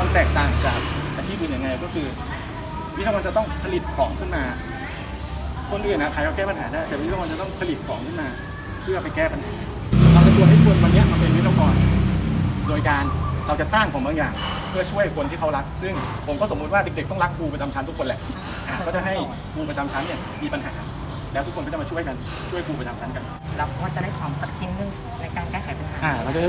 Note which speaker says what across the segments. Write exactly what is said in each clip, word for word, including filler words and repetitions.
Speaker 1: แตกต่างจากอาชีพอื่นยังไงก็คือวิศวกรจะต้องผลิตของขึ้นมาคนอื่นนะใครก็แก้ปัญหาได้แต่วิศวกรจะต้องผลิตของขึ้นมาเพื่อไปแก้ปัญหาเราจะชวนให้คนวันนี้มาเป็นวิศวกรโดยการเราจะสร้างของบางอย่างเพื่อช่วยคนที่เขารักซึ่งผมก็สมมุติว่าเด็กๆต้องรักครูประจำชั้นทุกคนแหละก็จะให้ครูประจำชั้นเนี่ยมีปัญหาแล้วทุกคนก็จะมาช่วยกันช่วยครูประจำชั้นกัน
Speaker 2: เราก็จะได้ของสักชิ้นหนึงในการแก้ไขปัญหา
Speaker 1: อ่าเราจะ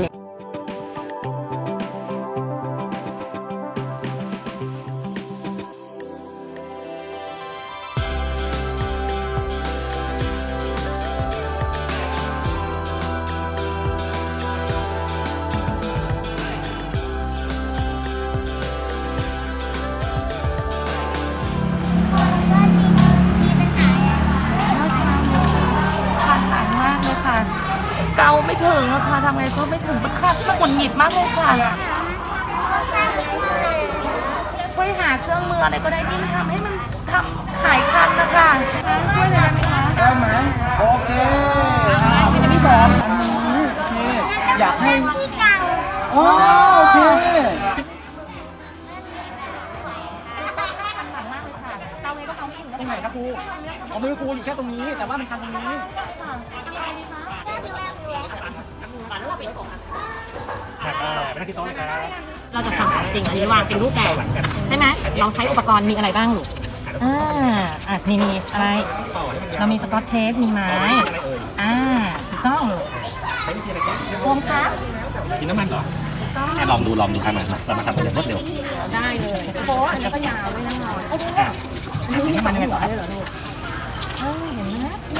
Speaker 2: เกาไม่ถึงอะค่ะทำไงก็ไม่ถึงมันคันมันหงุดหงิดมากเลยค่ะช่วยหาเครื่องมืออะไรก็ได้ที่ทำให้มันทำหายคันนะคะช่วยเลยได้ไหมคะ
Speaker 1: ได้ไหมโอเคอันนี้สองอันนี้โอเคอยากให้โอเคตรงไหนครับครูเอามือครูอยู่แค่ตรงนี้แต่ว่ามันคันตรงนี้ไม่ที่โต๊ะเลยครับ
Speaker 2: เราจะทำจริงอันนี้วางเป็นรูปแบบใช่ไหมเราใช้อุปกรณ์มีอะไรบ้างลูกอ่าอ่ะนี่มีอะไรเรามีสกอตเทปมีไม้อ่าถูกต้องลูกโฟมครับ
Speaker 1: กินน้ำมันเหรอลองดูลองดูทำมันเรามาทำกันอย่างรวดเร็ว
Speaker 2: ได้เลยโป๊ะอันนี้ก็ยาวด้วยนะน้อยโอ้โหอันนี้มันยังไงต่อได้เหรอลูกเออเห็นไหม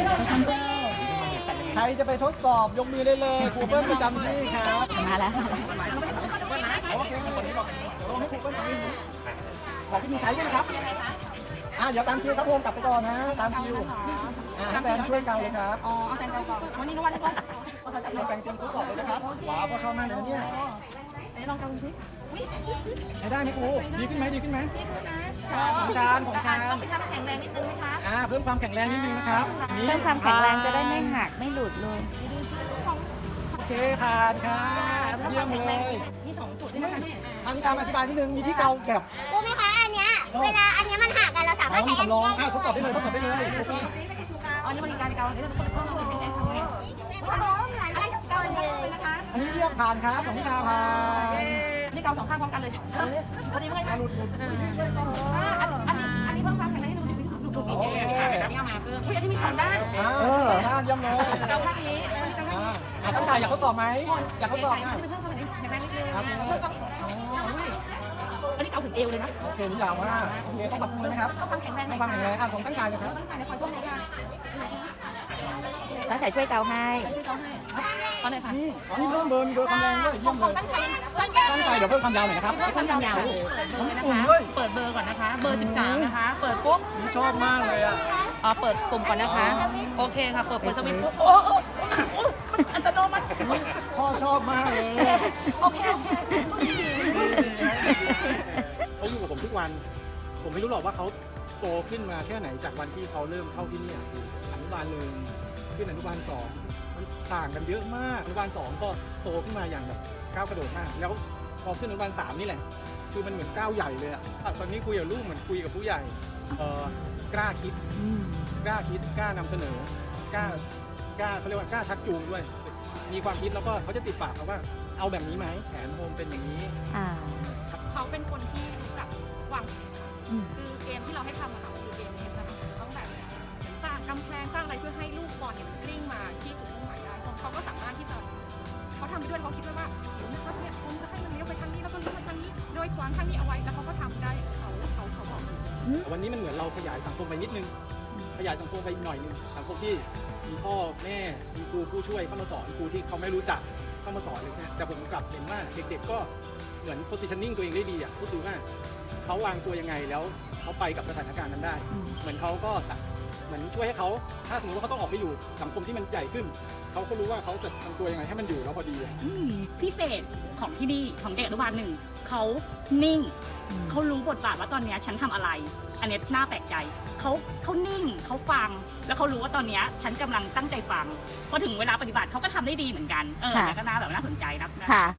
Speaker 1: ใครจะไปทดสอบยกมือได้เลยครูเปิ้ลประจำที่ครับ
Speaker 2: มาแล้ว
Speaker 1: โอเคลงให้ครูเปิ้ลขอพี่มีใช้ด้วยนะครับอ่าเดี๋ยวตามคิวครับผมกลับไปก่อนนะตามคิวอ่าแฟนช่วยเกาเลยครับ
Speaker 2: อ๋อแฟนเกาก่อนวันนี้นุวันให้ก่อน
Speaker 1: แฟนเตรียมทดสอบเลยนะครับว้าวก็ชอบมากเลยนะเนี่ย
Speaker 2: ลองเกาดูสิ
Speaker 1: ใช้ได้ไหมครูดีขึ้นไหมดีขึ้นไหมของชานของชาน
Speaker 2: ไปทำแข็งแรงนิดนึงไหมคะ
Speaker 1: อ่าเพิ่มความแข็งแรงนิดนึงนะครับ
Speaker 2: เพิ่มความแข็งแรงจะได้ไม่หักไม่หลุดเลย
Speaker 1: โอเคผ่านครับเยี่ยมเลย
Speaker 2: มีสองจุดด้วยนะคะ
Speaker 1: ทางวิชาอธิบายนิดนึงมีที่เกาแบบ
Speaker 3: รู้ไหมคะอันเนี้ยเวลาอันเนี้ยมันหักกันเราสามารถใช้
Speaker 1: อันนี้ได้ทดสอบได้เลยทดสอบได้เลย
Speaker 2: อันนี้บริการเกาอันนี้เราต้องต้องเป็นการทำไง
Speaker 3: โอ้โหเหมือนกันทุกคนเลย
Speaker 2: นะคะ
Speaker 1: อันนี้เรียกผ่านครับของวิชาผ่าน
Speaker 2: อันนี้เกาสองข้างพร้อมกันเลยพอดีเมื่อไหร่หลุดหลุดอันนี้อันนี้เพิ่มความแข็งแรงให้ดูดิดูดูโอเคอันนี้เอามาเพิ่มอันนี้มีสองด้าน
Speaker 1: อ่าสองด้านย่ำเลย
Speaker 2: เกาข้างนี้
Speaker 1: อ่าตั้งใจอยากทดสอบไหมอยากทดสอบนะ
Speaker 2: เพิ่มความแข็งแรงนิดนึงอันนี้เกาถึงเอวเลยนะ
Speaker 1: โอเคนี่ยาวมากโอเคต้องปรับปรุงเลยไหมครับ
Speaker 2: ต้องความแข็งแรง
Speaker 1: ต้องความแข็งแรงอ่ะของตั้งใจเลยครับ
Speaker 2: ตั้งใจในคอยช่วยเลยค่ะตั้งใจช่วยเกาให้ช่วยเกาให้ตอนไหนคะ
Speaker 1: นี่อ๋อนี่เพิ่มเบอร์มีเบอร์ความแรงด้วยเยี่ยมเลย
Speaker 2: ตั้งใจ
Speaker 1: ตั้งใจเดี๋ยวเพิ่มความยาวหน่อยนะครับ
Speaker 2: เพิ่มความยาวเลยนะคะเปิดเบอร์ก่อนนะคะเบอร์สิบสามนะคะเปิดปุ๊บ
Speaker 1: นี่ชอบมากเลยอ่ะ
Speaker 2: อ๋อเปิดปุ่มก่อนนะคะโอเคค่ะเปิดเปิดสวิตช์ปุ๊บโอ้อัตโนมัติ
Speaker 1: พ่อชอบมากเลย
Speaker 2: โอเคโอเค
Speaker 1: เขาอยู่กับผมทุกวันผมไม่รู้หรอกว่าเขาโตขึ้นมาแค่ไหนจากวันที่เขาเริ่มเข้าที่นี่อนุบาลหนึ่งขึ้นอนุบาลสองมันต่างกันเยอะมากอนุบาลสองก็โตขึ้นมาอย่างแบบก้าวกระโดดมากแล้วพอขึ้นอนุบาลสามนี่แหละคือมันเหมือนก้าวใหญ่เลยอะตอนนี้คุยกับลูกเหมือนคุยกับผู้ใหญ่เออกล้าคิดกล้าคิดกล้านำเสนอกล้ากล้าเขาเรียกว่ากล้าชักจูงด้วยมีความคิดแล้วก็เขาจะติดปากเขาว่าเอาแบบนี้ไหมแผนโฮมเป็นอย่างนี้
Speaker 4: เขาเป็นคนที่รู้จักวางคือเกมที่เราให้ทำอะค่ะมันคือเกมนี้นะคะต้องแบบสร้างกำแพงสร้างอะไรเพื่อให้ลูกบอลเนี่ยมันกลิ้งมาที่จุดมุ่งหมายได้เขาก็สามารถที่จะเขาทำไปด้วยเขาคิดด้วยว่าเดี๋ยวนะครับเนี่ยผมจะให้มันเลี้ยวไปทางนี้แล้วก็เลี้ยวมาทางนี้โดยขวางทางนี้เอาไว้แล้วเขาก็ทำได้เขาเขาเขาบอก
Speaker 1: วันนี้มันเหมือนเราขยายสังคมไปนิดนึงขยายสังคมไปอีกหน่อยนึงสังคมที่มีพ่อแม่มีครูผู้ช่วยเข้ามาสอนครูที่เขาไม่รู้จักเข้ามาสอนเลยนะแต่ผมกลับเห็นว่าเด็กๆก็เหมือน positioning ตัวเองได้ดีอ่ะก็คือว่าเขาวางตัวยังไงแล้วเขาไปกับสถานการณ์นั้นได้เหมือนเขาก็เหมือนช่วยให้เขาถ้าสมมติว่าเขาต้องออกไปอยู่สังคมที่มันใหญ่ขึ้นเขาก็รู้ว่าเขาจะทำตัวยังไงให้มันอยู่แล้วพอดี
Speaker 4: พิเศษของที่นี่ของเด็กอนุบาลหนึ่งเขานิ่งเขารู้บทบาทว่าตอนนี้ฉันทำอะไรอันนี้น่าแปลกใจเขาเขานิ่งเขาฟังแล้วเขารู้ว่าตอนนี้ฉันกำลังตั้งใจฟังพอถึงเวลาปฏิบัติเขาก็ทำได้ดีเหมือนกันเออก็น่าแบบน่าสนใจนะ